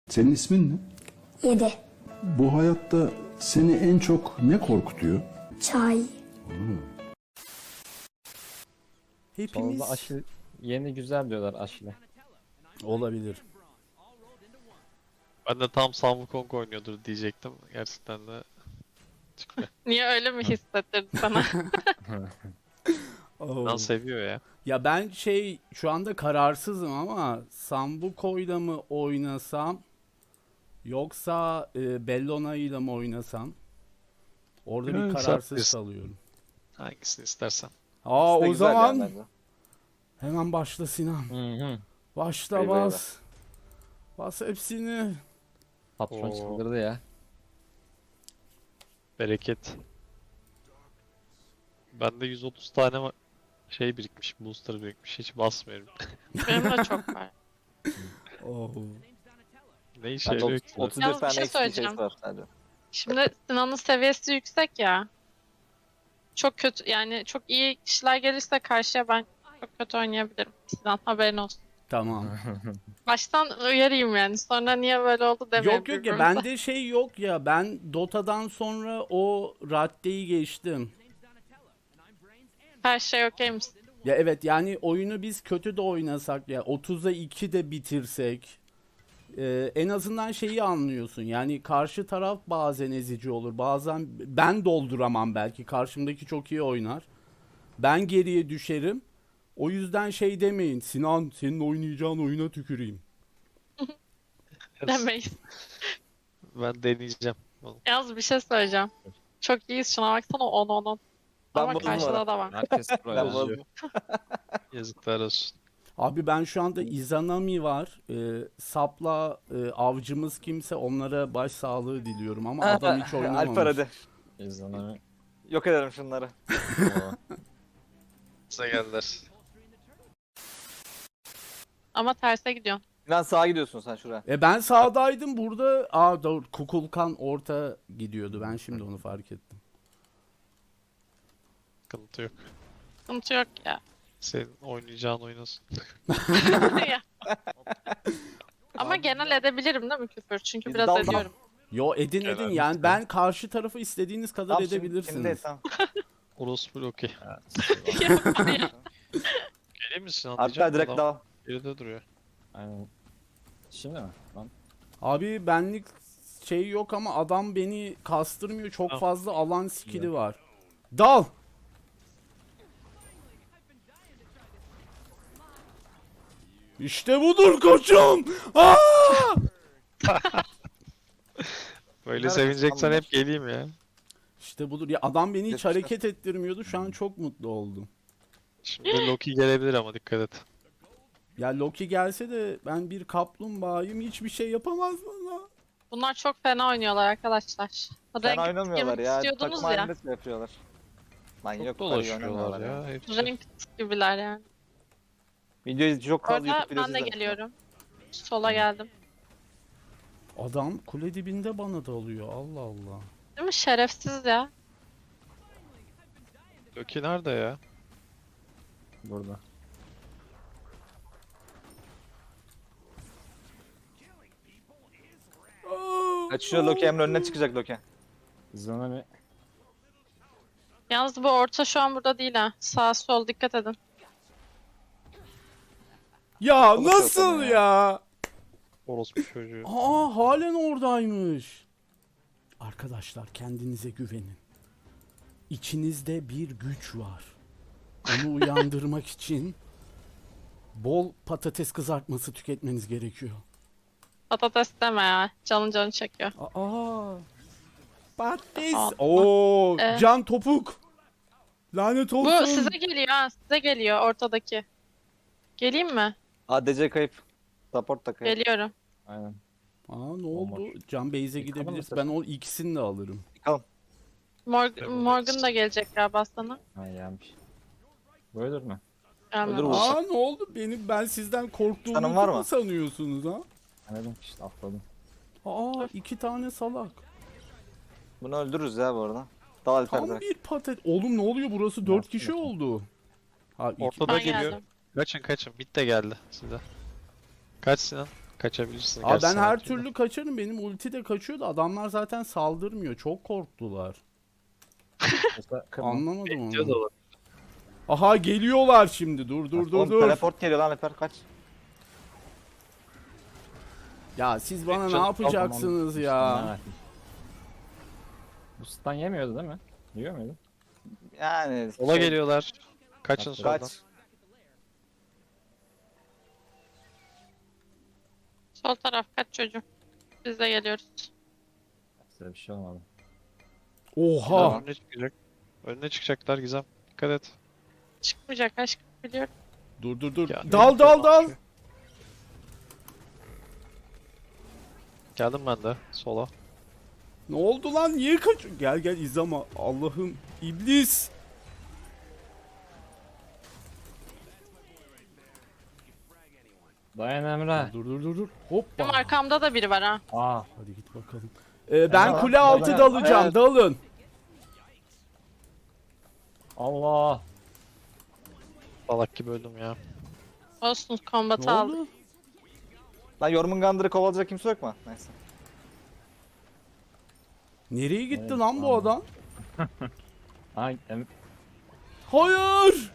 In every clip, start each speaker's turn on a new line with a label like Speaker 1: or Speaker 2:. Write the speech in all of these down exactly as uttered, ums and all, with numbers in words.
Speaker 1: Senin ismin ne?
Speaker 2: Yedi.
Speaker 1: Bu hayatta seni en çok ne korkutuyor?
Speaker 2: Çay.
Speaker 3: Hepimiz
Speaker 4: Valla aşı yeni güzel diyorlar aşile.
Speaker 3: olabilir.
Speaker 5: Ben de tam Sam Wukong oynuyordur diyecektim. Gerçekten de çıkmıyor.
Speaker 6: Niye öyle mi hissettirdi sana?
Speaker 3: Oo.
Speaker 5: Lan seviyor ya.
Speaker 3: Ya ben şey şu anda kararsızım ama Sambuco'yla mı oynasam yoksa e, Bellona'yla mı oynasam? Orada bir
Speaker 5: Evet,
Speaker 3: kararsız
Speaker 5: haklısın.
Speaker 3: kalıyorum.
Speaker 5: Hangisini istersen.
Speaker 3: Aa
Speaker 7: İkisi de
Speaker 3: o
Speaker 7: güzel
Speaker 3: zaman
Speaker 7: yani bence.
Speaker 3: hemen başla Sinan.
Speaker 4: Hı hı.
Speaker 3: Başla
Speaker 7: Eyvah, eyvah.
Speaker 3: bas. Bas hepsini.
Speaker 4: Patron
Speaker 5: Oo.
Speaker 4: çıldırdı ya.
Speaker 5: Bereket. Bende yüz otuz tane va- şey birikmiş, booster birikmiş. Hiç basmıyorum.
Speaker 6: Benim de çok var.
Speaker 3: Oo.
Speaker 5: Ne işe
Speaker 7: Bende
Speaker 5: yarıyor
Speaker 7: otuz-
Speaker 5: ki?
Speaker 7: otuz bir
Speaker 6: Yalnız bir
Speaker 7: tane
Speaker 6: şey
Speaker 7: eksik şey
Speaker 6: söyleyeceğim.
Speaker 7: var sadece.
Speaker 6: Şimdi Sinan'ın seviyesi yüksek ya. Çok kötü yani çok iyi kişiler gelirse karşıya ben çok kötü oynayabilirim. Sinan haberin olsun.
Speaker 3: Tamam.
Speaker 6: Baştan uyarayım yani. Sonra niye böyle oldu demeyin.
Speaker 3: Yok yok ya
Speaker 6: birbirimize.
Speaker 3: bende şey yok ya, ben Dota'dan sonra o raddeyi geçtim.
Speaker 6: Her şey okey misin?
Speaker 3: Ya evet, yani oyunu biz kötü de oynasak ya otuza iki de bitirsek e, en azından şeyi anlıyorsun. Yani karşı taraf bazen ezici olur. Bazen ben dolduramam, belki karşımdaki çok iyi oynar. Ben geriye düşerim. O yüzden şey demeyin. Sinan, senin oynayacağın oyuna tüküreyim.
Speaker 6: Demeyiz.
Speaker 5: Ben deneyeceğim. Oğlum,
Speaker 6: Yalnız bir şey söyleyeceğim. Çok iyiyiz şuna baksana on on on.
Speaker 7: Ben
Speaker 6: Ama
Speaker 7: bozdum
Speaker 6: karşıda
Speaker 7: orayı.
Speaker 6: da var.
Speaker 4: Herkes pro
Speaker 7: Ben
Speaker 4: yazıyor.
Speaker 7: bozdum.
Speaker 5: Yazıklar olsun.
Speaker 3: Abi ben şu anda Izanami var. E, Sapla e, avcımız kimse onlara başsağlığı diliyorum ama adam hiç oynamamış.
Speaker 7: Alper hadi.
Speaker 4: İzlanamı.
Speaker 7: Yok ederim şunları.
Speaker 5: Size geldiler.
Speaker 6: Ama terse gidiyorsun.
Speaker 7: Lan sağa gidiyorsun sen şuraya.
Speaker 3: E ben sağdaydım burada. Aa dur, Kukulkan orta gidiyordu. Ben şimdi onu fark ettim.
Speaker 5: Sıkıntı yok.
Speaker 6: Sıkıntı yok ya.
Speaker 5: Senin oynayacağın oynasın.
Speaker 6: Ya. Ama genel edebilirim değil mi küfür? Çünkü
Speaker 7: Biz
Speaker 6: biraz
Speaker 7: daldan-
Speaker 6: ediyorum.
Speaker 3: Yo edin edin
Speaker 5: Helal
Speaker 3: yani
Speaker 5: olsun.
Speaker 3: ben karşı tarafı istediğiniz kadar
Speaker 7: Tamam, şimdi-
Speaker 3: edebilirsiniz.
Speaker 7: Şimdi, tamam.
Speaker 5: Orospu okey. Geleyim misin
Speaker 7: Alper
Speaker 5: anlayacağım.
Speaker 7: direkt
Speaker 5: Adam
Speaker 7: devam.
Speaker 5: geride duruyor.
Speaker 4: Aynen. Şimdi mi? Lan.
Speaker 3: Abi benlik şey yok ama adam beni kastırmıyor. Çok
Speaker 5: Tamam.
Speaker 3: fazla alan skill'i var. Dal. İşte budur koçum. Aa!
Speaker 5: Böyle
Speaker 7: Nerede
Speaker 5: sevineceksen
Speaker 7: sandım?
Speaker 5: hep geleyim ya.
Speaker 3: İşte budur. Ya adam beni hiç
Speaker 7: Yetmişler.
Speaker 3: hareket ettirmiyordu. Şu an çok mutlu oldum.
Speaker 5: Şimdi Loki gelebilir ama dikkat et.
Speaker 3: Ya Loki gelse de ben bir kaplumbağayım, hiçbir şey yapamaz bana.
Speaker 6: Bunlar çok fena oynuyorlar arkadaşlar.
Speaker 7: Sen
Speaker 6: Renk
Speaker 7: oynamıyorlar
Speaker 6: girmek
Speaker 7: ya.
Speaker 6: istiyordunuz
Speaker 7: Takım
Speaker 6: ya.
Speaker 7: halinde şey yapıyorlar. Lan
Speaker 5: Çok
Speaker 7: yok
Speaker 5: dolaşıyorlar ya. Hepsi.
Speaker 6: Renk gibiler yani.
Speaker 7: Videoyu çok fazla
Speaker 6: Orada
Speaker 7: YouTube videosu
Speaker 6: ben de
Speaker 7: izledim.
Speaker 6: geliyorum. Sola geldim.
Speaker 3: Adam kule dibinde bana dalıyor. Allah Allah.
Speaker 6: Değil mi? Şerefsiz ya.
Speaker 5: Loki nerede ya?
Speaker 4: Burada.
Speaker 7: Kaçıyor Loki, Emre önüne çıkacak Loki.
Speaker 4: İzlanamı.
Speaker 6: Yalnız bu orta şu an burada değil ha. Sağ sol dikkat edin.
Speaker 3: Ya
Speaker 7: Olur
Speaker 3: nasıl
Speaker 7: zaten ya.
Speaker 3: ya?
Speaker 5: Orospu çocuğu.
Speaker 3: Aa halen oradaymış. Arkadaşlar kendinize güvenin. İçinizde bir güç var. Onu uyandırmak için bol patates kızartması tüketmeniz gerekiyor.
Speaker 6: Patates deme ya. Canın canı çekiyor.
Speaker 3: Aa. Patates.
Speaker 6: Aa.
Speaker 3: Oo,
Speaker 6: Ee?
Speaker 3: can topuk. Lanet olsun.
Speaker 6: Bu size geliyor ha. Size geliyor ortadaki. Geleyim mi?
Speaker 7: A D C kayıp. Support da kayıp.
Speaker 6: Geliyorum.
Speaker 4: Aynen.
Speaker 3: Aa ne oldu?
Speaker 4: Olmaz.
Speaker 3: Can Beyze
Speaker 4: Yıkamadın
Speaker 3: gidebiliriz.
Speaker 4: mı
Speaker 3: Ben o ikisini de alırım.
Speaker 7: Bakalım.
Speaker 6: Morg Morgan da gelecek galiba sana.
Speaker 4: Ha gelmiş. Böyledir mi?
Speaker 6: Gelmem.
Speaker 7: Olur mu? Olsa.
Speaker 3: Aa ne oldu? Benim ben sizden korktuğumu
Speaker 7: Sanın var mı?
Speaker 3: mu sanıyorsunuz ha?
Speaker 4: Anladım işte atladım.
Speaker 3: Aa iki tane salak.
Speaker 7: Bunu öldürürüz ya bu arada. Dal Alper
Speaker 3: Tam
Speaker 7: direkt.
Speaker 3: bir patet. Oğlum ne oluyor? Burası dört
Speaker 4: Nasıl
Speaker 3: kişi
Speaker 4: yapayım?
Speaker 3: oldu. Ha iki.
Speaker 5: Ortada
Speaker 6: Ben
Speaker 5: geliyor.
Speaker 6: geldim.
Speaker 5: Kaçın kaçın. Mid de geldi size. Kaç Sinan. Kaçabilirsin.
Speaker 3: Abi
Speaker 5: gerçi
Speaker 3: ben
Speaker 5: sen
Speaker 3: her
Speaker 5: ultiyle.
Speaker 3: türlü kaçarım. Benim ulti de kaçıyor da adamlar zaten saldırmıyor. Çok korktular.
Speaker 4: Yoksa kırma.
Speaker 3: Anlamadım
Speaker 5: Diyor da
Speaker 3: onu.
Speaker 5: olur.
Speaker 3: Aha geliyorlar şimdi. Dur dur dur
Speaker 7: Oğlum
Speaker 3: dur.
Speaker 7: teleport geliyor lan Alper kaç.
Speaker 3: Ya siz bana ne
Speaker 5: Canım,
Speaker 3: yapacaksınız
Speaker 4: Tamam,
Speaker 3: ya?
Speaker 4: stun verdim. Bu stun yemiyordu değil mi? Yiyor muydu?
Speaker 7: Yani
Speaker 5: Sola
Speaker 7: şey,
Speaker 5: geliyorlar. Kaçın soldan.
Speaker 7: kaç.
Speaker 6: Sol taraf kaç çocuğum. Biz de geliyoruz.
Speaker 4: Size bir şey olmadı.
Speaker 3: Oha.
Speaker 7: Tamam.
Speaker 5: Önüne çıkacak. Önüne çıkacaklar Gizem. Dikkat et.
Speaker 6: Çıkmayacak aşkım biliyorum.
Speaker 3: Dur dur dur.
Speaker 5: Ya,
Speaker 3: Dal dal dal.
Speaker 5: Geldim ben de sola.
Speaker 3: Ne oldu lan? Niye kaç? Gel gel izlama. Allah'ım iblis.
Speaker 4: Dayan Emre.
Speaker 3: Dur dur dur dur.
Speaker 6: Benim
Speaker 3: Hoppa.
Speaker 6: arkamda da biri var ha.
Speaker 4: Aa.
Speaker 3: Hadi git bakalım. Ee, ben
Speaker 4: Emre,
Speaker 3: kule
Speaker 4: lan,
Speaker 3: altı
Speaker 4: Emre.
Speaker 3: dalacağım.
Speaker 4: Evet.
Speaker 3: Dalın.
Speaker 4: Allah.
Speaker 5: Salak gibi öldüm ya.
Speaker 6: Olsun
Speaker 3: Ne
Speaker 6: kombatı aldık.
Speaker 3: oldu?
Speaker 7: Lan Jormungandr'ı kovalayacak kimse yok mu? Neyse.
Speaker 3: Nereye gitti
Speaker 4: Evet,
Speaker 3: lan bu
Speaker 4: tamam.
Speaker 3: adam?
Speaker 4: Ay, em
Speaker 3: Hayır.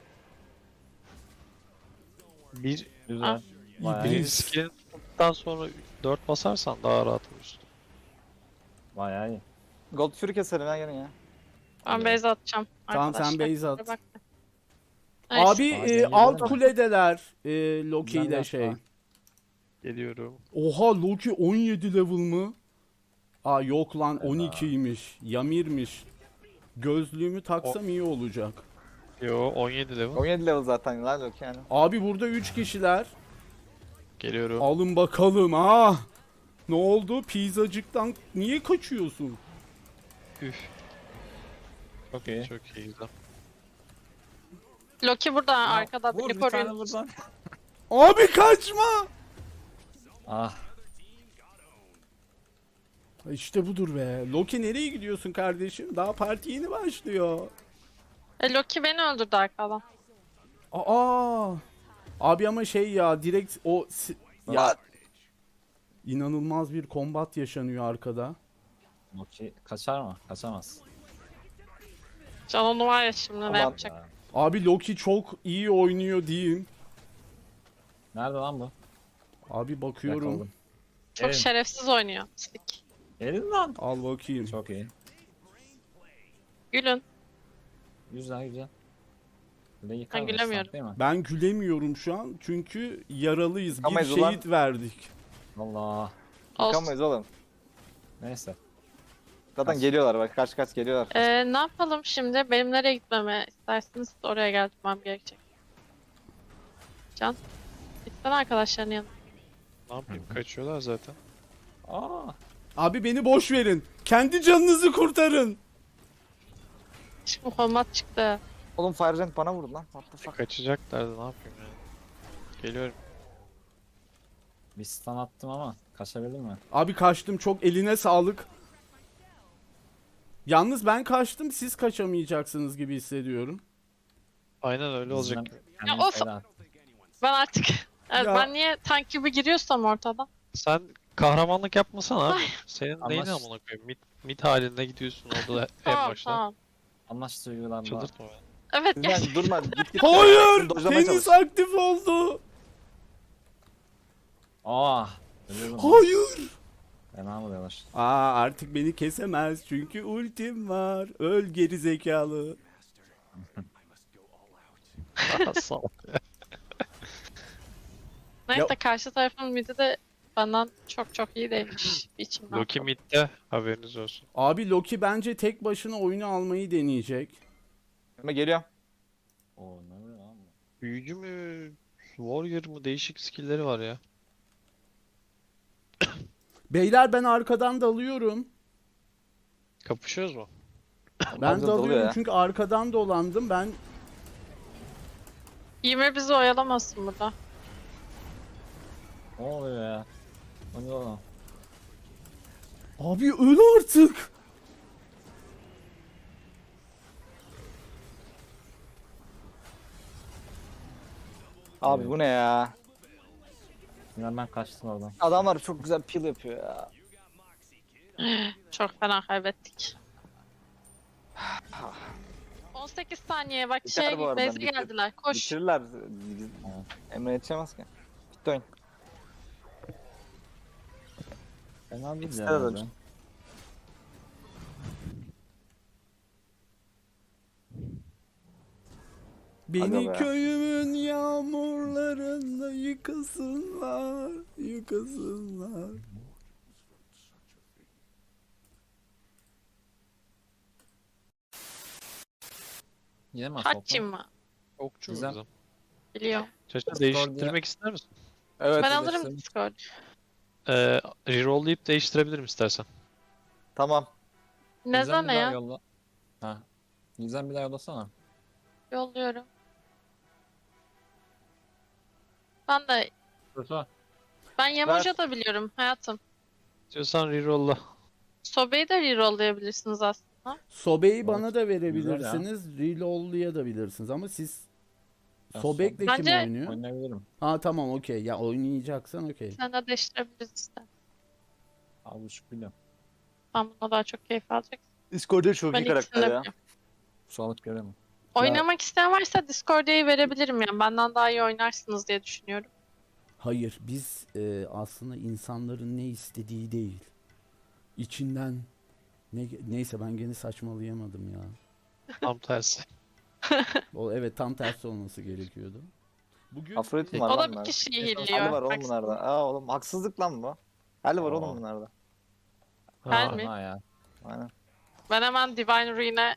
Speaker 5: Bir,
Speaker 4: güzel.
Speaker 6: Ah.
Speaker 4: Bayağı,
Speaker 5: birinci
Speaker 3: İblis.
Speaker 5: skill'den sonra dört basarsan daha rahat vurursun.
Speaker 4: bayağı iyi.
Speaker 7: Gold Fury keselim ya gelin ya.
Speaker 6: Ben base atacağım.
Speaker 3: Tamam, sen
Speaker 6: arkadaşlar.
Speaker 3: base at.
Speaker 6: Bak. Nice.
Speaker 3: Abi
Speaker 4: Aa,
Speaker 3: e,
Speaker 4: geliyor
Speaker 3: alt
Speaker 4: değil mi?
Speaker 3: kuledeler. E, Loki
Speaker 4: Güzel
Speaker 3: ile
Speaker 4: laf
Speaker 3: şey.
Speaker 4: var.
Speaker 5: Geliyorum.
Speaker 3: Oha Loki on yedi level mı? Aa yok lan on ikiymiş. Yamir'miş. Gözlüğümü taksam iyi olacak.
Speaker 5: Yo on yedi level.
Speaker 7: on yedi level zaten lan yok yani.
Speaker 3: Abi burada üç kişiler.
Speaker 5: Geliyorum.
Speaker 3: Alın bakalım ha. Ne oldu? Pizzacıktan niye kaçıyorsun?
Speaker 5: Üf.
Speaker 4: Çok iyi.
Speaker 5: Çok iyi Gizem.
Speaker 6: Loki burada arkada
Speaker 4: Vur
Speaker 6: beni
Speaker 4: bir tane
Speaker 6: koruyun.
Speaker 4: buradan.
Speaker 3: Abi kaçma.
Speaker 4: Ah.
Speaker 3: İşte budur be. Loki nereye gidiyorsun kardeşim? Daha parti yeni başlıyor.
Speaker 6: E, Loki beni öldürdü arkadan.
Speaker 3: Aa. Abi ama şey ya direkt o si- ya inanılmaz bir kombat yaşanıyor arkada.
Speaker 4: Loki kaçar mı? Kaçamaz.
Speaker 6: Canonu var ya şimdi ne
Speaker 7: Aman.
Speaker 6: yapacak?
Speaker 4: Ya.
Speaker 3: Abi Loki çok iyi oynuyor diyeyim.
Speaker 4: Nerede lan bu?
Speaker 3: Abi bakıyorum.
Speaker 4: Yakaladım.
Speaker 6: Çok
Speaker 4: Gelin.
Speaker 6: şerefsiz oynuyor. Pislik.
Speaker 4: Gelin lan.
Speaker 3: Al bakayım.
Speaker 4: Çok iyi.
Speaker 6: Gülün.
Speaker 4: Güzel güzel. Bir de yıkar
Speaker 6: Ben
Speaker 4: mısın,
Speaker 6: gülemiyorum.
Speaker 4: Değil mi?
Speaker 3: Ben gülemiyorum şu an çünkü yaralıyız. Bir
Speaker 7: Yıkamayız ulan.
Speaker 3: şehit verdik.
Speaker 4: Allah.
Speaker 6: Olsun.
Speaker 7: Yıkamayız oğlum.
Speaker 4: Neyse.
Speaker 7: Zaten
Speaker 4: Kaç.
Speaker 7: geliyorlar bak kaç kaç geliyorlar.
Speaker 6: Ee, ne yapalım şimdi? Benim nereye gitmemi isterseniz oraya gelmem gerekecek. Can. Gitsene arkadaşların yanına.
Speaker 5: Ne yapayım? Kaçıyorlar zaten.
Speaker 4: Aa.
Speaker 3: Abi beni boş verin. Kendi canınızı kurtarın.
Speaker 6: Şimdi kombat çıktı.
Speaker 7: Oğlum Fire Giant bana vurdu lan. What the fuck.
Speaker 5: Kaçacaklardı ne yapayım yani. Geliyorum.
Speaker 4: Bir stun attım ama kaçabildin mi?
Speaker 3: Abi kaçtım, çok eline sağlık. Yalnız ben kaçtım, siz kaçamayacaksınız gibi hissediyorum.
Speaker 5: Aynen öyle olacak.
Speaker 4: Bizden
Speaker 5: gibi.
Speaker 4: kendini
Speaker 6: Ya of!
Speaker 4: feda et.
Speaker 6: Ben artık... Evet,
Speaker 3: Ya.
Speaker 6: ben niye tank gibi giriyorsam ortada?
Speaker 5: Sen kahramanlık yapmasana abi. Senin
Speaker 4: Ama
Speaker 5: neyin
Speaker 4: ş-
Speaker 5: amına koyayım? Mid, mid halinde gidiyorsun orada en
Speaker 6: Tamam
Speaker 5: başta.
Speaker 6: tamam.
Speaker 4: Anlaştığı uygulanma.
Speaker 5: Çıldırtma beni.
Speaker 6: Evet gel.
Speaker 7: Lan durma git git.
Speaker 3: Hayır!
Speaker 7: Dojlamaya
Speaker 3: Tenis
Speaker 7: çalış.
Speaker 3: aktif oldu.
Speaker 4: Aa. Ölüyorum.
Speaker 3: Hayır!
Speaker 4: Fena vuruyorlar.
Speaker 3: Aa artık beni kesemez çünkü ultim var. Öl geri zekalı.
Speaker 5: Sağ ol.
Speaker 6: Neyse
Speaker 3: Ya-
Speaker 6: karşı tarafın midi de benden çok çok iyi değilmiş. Bir içimden.
Speaker 5: Loki midde haberiniz olsun.
Speaker 3: Abi Loki bence tek başına oyunu almayı deneyecek.
Speaker 7: Ama geliyorum.
Speaker 4: Oo ne oluyor lan bu?
Speaker 5: Büyücü mü? Warrior mu? Değişik skill'leri var ya.
Speaker 3: Beyler ben arkadan dalıyorum.
Speaker 5: Kapışıyoruz mu?
Speaker 3: Ben
Speaker 7: Dalıyor
Speaker 3: dalıyorum
Speaker 7: ya.
Speaker 3: çünkü arkadan dolandım. Ben
Speaker 6: Ymir bizi oyalamasın burada.
Speaker 4: Ne oluyor ya? O ne oğlum?
Speaker 3: abi öl artık.
Speaker 7: Abi bu ne ya?
Speaker 4: Yine ben kaçtım oradan.
Speaker 7: Adamlar çok güzel peel yapıyor ya.
Speaker 6: Çok fena kaybettik. on sekiz saniye bak
Speaker 7: Biter
Speaker 6: şey
Speaker 7: bu arada,
Speaker 6: base'e
Speaker 7: bitir.
Speaker 6: geldiler. Koş.
Speaker 7: Bitirirler. Biz- Emre yetişemez ki. Bitti oyun.
Speaker 4: Fena değil
Speaker 7: İkisi
Speaker 4: ya.
Speaker 7: de
Speaker 4: bence.
Speaker 7: ölmüş.
Speaker 3: Beni
Speaker 7: be.
Speaker 3: köyümün yağmurlarında yıkasınlar, yıkasınlar.
Speaker 4: Yine mi asfalt?
Speaker 6: Haçim mı?
Speaker 5: Okçu
Speaker 4: Güzel.
Speaker 5: bizim.
Speaker 6: Biliyorum.
Speaker 5: Çeşitli
Speaker 4: Discord'ya-
Speaker 5: değiştirmek ister misin?
Speaker 7: Evet.
Speaker 6: Ben
Speaker 4: evet,
Speaker 6: alırım
Speaker 4: evet.
Speaker 6: Discord.
Speaker 5: Ee, Reroll'layıp değiştirebilirim istersen.
Speaker 7: Tamam.
Speaker 6: Ne
Speaker 4: Gizem
Speaker 6: zaman
Speaker 4: bir daha
Speaker 6: ya?
Speaker 4: yolla. Ha. Gizem bir daha yollasana.
Speaker 6: Yolluyorum. Ben de
Speaker 4: Kötü.
Speaker 6: ben Yemoja da biliyorum hayatım.
Speaker 5: İstiyorsan reroll'la.
Speaker 6: Sobe'yi de rerollayabilirsiniz aslında.
Speaker 3: Sobeyi
Speaker 4: Evet,
Speaker 3: bana da
Speaker 4: güzel
Speaker 3: verebilirsiniz, reloadlayabilirsiniz ama siz
Speaker 4: Ya,
Speaker 3: Sobek'le kim
Speaker 6: Bence-
Speaker 3: oynuyor?
Speaker 4: Oynayabilirim.
Speaker 3: Ha tamam okey. Ya oynayacaksan okey.
Speaker 6: Sen de değiştirebiliriz işte.
Speaker 4: Abi buçuk biliyorum.
Speaker 6: Ben buna daha çok keyif alacaksın.
Speaker 7: Discord'da çok
Speaker 6: Ben
Speaker 7: iyi
Speaker 6: ikisini
Speaker 7: karakter
Speaker 6: de
Speaker 7: ya.
Speaker 6: biliyorum.
Speaker 4: Sağlık göremem.
Speaker 6: Oynamak isteyen varsa Discord'u verebilirim yani. Benden daha iyi oynarsınız diye düşünüyorum.
Speaker 3: Hayır, biz e, aslında insanların ne istediği değil. İçinden ne, neyse ben gene saçmalayamadım ya.
Speaker 5: Tam tersi.
Speaker 3: O evet tam tersi olması gerekiyordu. Bugün
Speaker 7: Afrodit var
Speaker 6: O da
Speaker 7: lan
Speaker 6: bir
Speaker 7: bunlarda.
Speaker 6: kişiyi
Speaker 7: Hali
Speaker 6: hilliyor.
Speaker 7: var oğlum
Speaker 6: Haksız.
Speaker 7: bunlarda. Aa oğlum haksızlık lan bu. Hali var oğlum
Speaker 4: Aa.
Speaker 7: bunlarda.
Speaker 6: Ben
Speaker 5: Ha,
Speaker 6: mi?
Speaker 4: Ha ya.
Speaker 7: Aynen.
Speaker 6: Ben hemen Divine Rune'e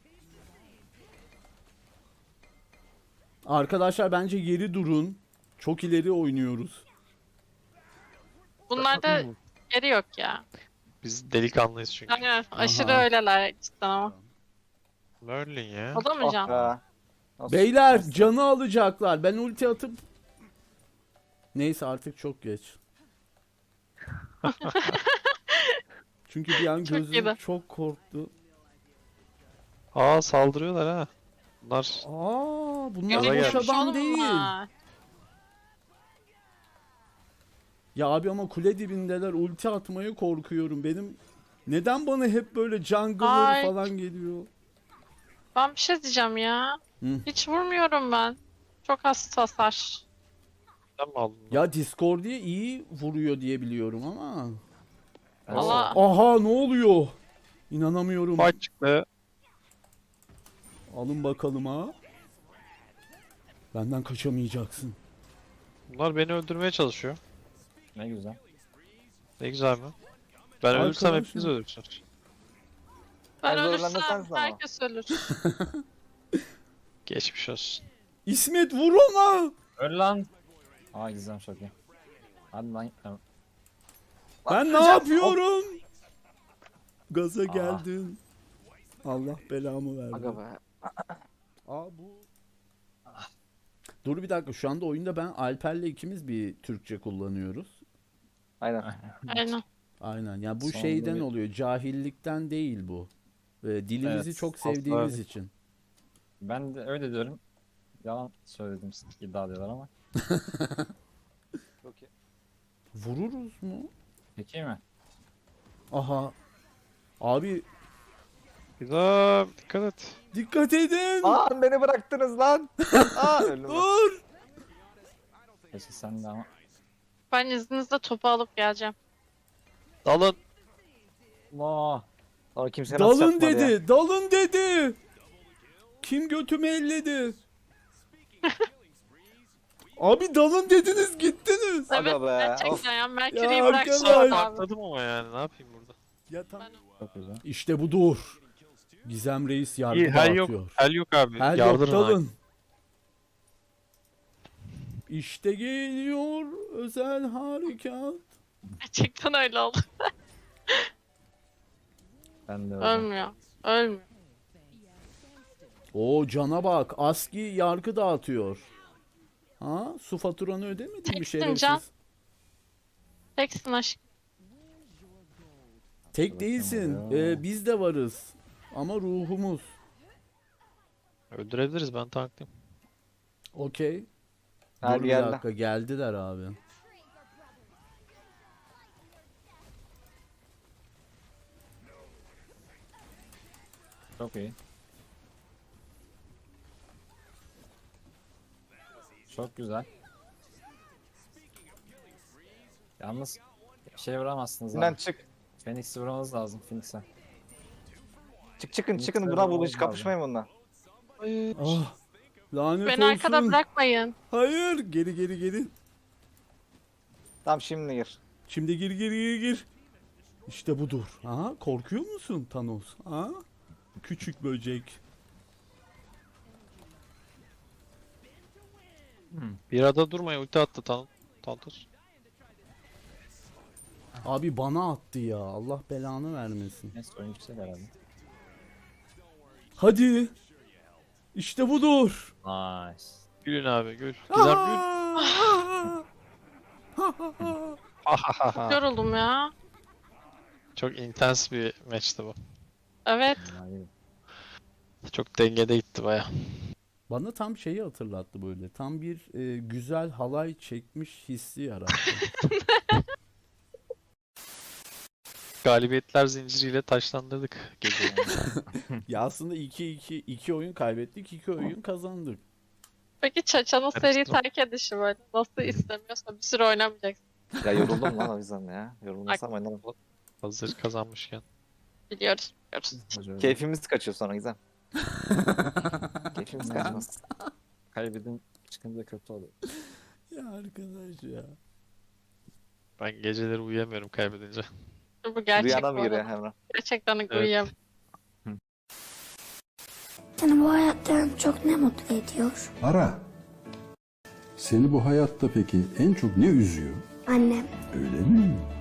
Speaker 3: arkadaşlar bence geri durun. Çok ileri oynuyoruz.
Speaker 6: bunlarda yeri yok ya.
Speaker 5: Biz delikanlıyız çünkü.
Speaker 6: Aynen aşırı
Speaker 3: Aha.
Speaker 6: öyleler cidden ama.
Speaker 5: Merlin ya.
Speaker 6: O da mı
Speaker 7: Ah
Speaker 6: can?
Speaker 7: be. Nasıl-
Speaker 3: Beyler
Speaker 7: nasıl-
Speaker 3: canı alacaklar. Ben ulti atıp neyse artık çok geç. Çünkü bir an
Speaker 6: Çok
Speaker 3: gözüm
Speaker 6: iyiydi.
Speaker 3: çok korktu.
Speaker 5: Aa saldırıyorlar ha. Bunlar
Speaker 3: Aa bunlar
Speaker 5: Gaza
Speaker 3: boş
Speaker 5: gelmiş.
Speaker 3: adam
Speaker 6: Oğlum
Speaker 3: değil.
Speaker 6: bunlar.
Speaker 3: Ya abi ama kule dibindeler, ulti atmaya korkuyorum. Benim neden bana hep böyle jungle'lar
Speaker 6: Ay.
Speaker 3: falan geliyor?
Speaker 6: Ben bir şey diyeceğim ya.
Speaker 3: Hı.
Speaker 6: Hiç vurmuyorum ben. Çok az hasar.
Speaker 5: sen mi aldın? bunu?
Speaker 3: Ya Discord'ya iyi vuruyor diye biliyorum ama.
Speaker 6: Allah.
Speaker 3: Aha ne oluyor? İnanamıyorum.
Speaker 5: Fight çıktı.
Speaker 3: Alın bakalım ha. Benden kaçamayacaksın.
Speaker 5: Bunlar beni öldürmeye çalışıyor.
Speaker 4: Ne güzel.
Speaker 5: Ne güzel mi? Ben ölürsem
Speaker 3: Arkadaşım.
Speaker 5: hepiniz ölürsünüz.
Speaker 6: Ben
Speaker 7: En zorlanan
Speaker 6: ölürsem
Speaker 7: sensin ama.
Speaker 6: herkes ölür.
Speaker 5: Geçmiş olsun.
Speaker 3: İsmet vur ona.
Speaker 4: Öl lan. Aa Gizem çok iyi. Hadi lan. Tamam.
Speaker 3: Ben ne
Speaker 7: Hocam,
Speaker 3: yapıyorum? Gaza
Speaker 4: Aa.
Speaker 3: geldin. Allah belamı verdi.
Speaker 7: Aga be.
Speaker 3: Aa bu. Dur bir dakika şu anda oyunda ben Alper'le ikimiz bir Türkçe kullanıyoruz.
Speaker 7: Aynen.
Speaker 6: Aynen.
Speaker 3: Aynen ya bu
Speaker 4: Sonunda
Speaker 3: şeyden
Speaker 4: bir-
Speaker 3: oluyor cahillikten değil bu. Ee, dilimizi
Speaker 4: Evet,
Speaker 3: çok
Speaker 4: asla-
Speaker 3: sevdiğimiz için.
Speaker 4: Ben de öyle diyorum. Yalan söyledim iddia diyorlar ama.
Speaker 7: Çok iyi.
Speaker 3: Vururuz mu?
Speaker 4: Peki mi?
Speaker 3: Aha. Abi
Speaker 5: Güzel. Dikkat et.
Speaker 3: dikkat edin.
Speaker 7: Aa beni bıraktınız lan. Aa öldüm. ben.
Speaker 3: Dur.
Speaker 4: Keşke sen de ama.
Speaker 6: Ben izninizle topu alıp geleceğim.
Speaker 5: Dalın.
Speaker 4: Allah.
Speaker 7: Aa kimse nasıl
Speaker 3: Dalın
Speaker 7: yapmadı
Speaker 3: dedi.
Speaker 7: ya.
Speaker 3: Dalın dedi. Kim götümü elledi? Abi dalın dediniz gittiniz.
Speaker 7: Aga
Speaker 6: Evet
Speaker 7: be,
Speaker 6: gerçekten ya. Mercury'yi
Speaker 3: Ya
Speaker 6: bırakacağım
Speaker 3: arkadaş.
Speaker 6: abi.
Speaker 5: Atladım ama yani ne yapayım burada?
Speaker 3: Ya tam...
Speaker 4: Çok güzel.
Speaker 3: İşte budur. Gizem Reis yargı
Speaker 5: İyi hel yok.
Speaker 3: dağıtıyor.
Speaker 5: Hel yok abi.
Speaker 3: Her yok
Speaker 5: Yardırın abi.
Speaker 3: dalın. İşte geliyor özel harekat.
Speaker 6: Gerçekten öyle oldu.
Speaker 4: Ben de öyle.
Speaker 6: Ölmüyor. Ölmüyor.
Speaker 3: O cana bak. Aski yargı dağıtıyor. Ha? Su faturanı ödemedin mi
Speaker 6: Teksin
Speaker 3: şerefsiz?
Speaker 6: can. Teksin aşkım.
Speaker 3: Tek
Speaker 4: Bakın
Speaker 3: değilsin.
Speaker 4: ya.
Speaker 3: Ee, biz de varız. Ama ruhumuz.
Speaker 5: Öldürebiliriz ben tanklıyım.
Speaker 3: Okey.
Speaker 7: Hadi
Speaker 3: Dur bir
Speaker 7: geldi.
Speaker 3: dakika geldiler abi.
Speaker 4: Çok iyi. Çok güzel. Yalnız bir şey vuramazsınız
Speaker 7: Sinan
Speaker 4: abi.
Speaker 7: çık.
Speaker 4: Phoenix'i vurmanız lazım Phoenix'e.
Speaker 7: Çık çıkın çıkın.
Speaker 4: Lütfen
Speaker 7: Buna bu
Speaker 4: olmaz
Speaker 7: hiç kapışmayın bununla.
Speaker 3: Ah, lanet
Speaker 6: Beni
Speaker 3: olsun.
Speaker 6: arkada bırakmayın.
Speaker 3: Hayır, geri geri geri.
Speaker 7: Tamam şimdi gir.
Speaker 3: Şimdi gir gir gir gir. İşte budur. Ha, korkuyor musun Thanos? Ha? Küçük böcek.
Speaker 5: Bir arada durmayın, ulti attı Tan Tantos.
Speaker 3: Abi bana attı ya. Allah belanı vermesin.
Speaker 4: Neyse oyun yüksek herhalde.
Speaker 3: Hadi. İşte budur.
Speaker 4: Nice.
Speaker 5: Gülün abi gül. Gizem gül.
Speaker 6: Yoruldum ya.
Speaker 5: Çok intens bir maçtı bu.
Speaker 6: Evet.
Speaker 4: Hayır.
Speaker 5: Çok dengede gitti baya.
Speaker 3: Bana tam şeyi hatırlattı böyle. Tam bir e, güzel halay çekmiş hissi yarattı.
Speaker 5: Galibiyetler zinciriyle taşlandırdık geceyi.
Speaker 3: Ya aslında iki iki iki oyun kaybettik, iki oyun kazandık.
Speaker 6: Peki Çaça'nın seri
Speaker 5: Karıştırma.
Speaker 6: terk edişi böyle. Nasıl istemiyorsa bir süre oynamayacaksın.
Speaker 7: Ya yoruldum lan o yüzden ya. Yorulmasam oynarım.
Speaker 5: Hazır kazanmışken.
Speaker 6: Biliyoruz. Biliyoruz.
Speaker 4: Hoca
Speaker 7: Keyfimiz kaçıyor sonra Gizem. Keyfimiz kaçmaz.
Speaker 4: kaybedin çıkınca kötü oluyor.
Speaker 3: Ya arkadaş ya.
Speaker 5: Ben geceleri uyuyamıyorum kaybedince.
Speaker 6: Bu gerçek
Speaker 7: Rüyana
Speaker 6: bu
Speaker 7: mı giriyor
Speaker 6: arada.
Speaker 7: Emrah?
Speaker 6: Gerçekten
Speaker 5: Evet.
Speaker 6: uyuyamam.
Speaker 2: Seni bu hayatta en çok ne mutlu ediyor?
Speaker 1: Ara. Seni bu hayatta peki en çok ne üzüyor?
Speaker 2: Annem.
Speaker 1: Öyle mi?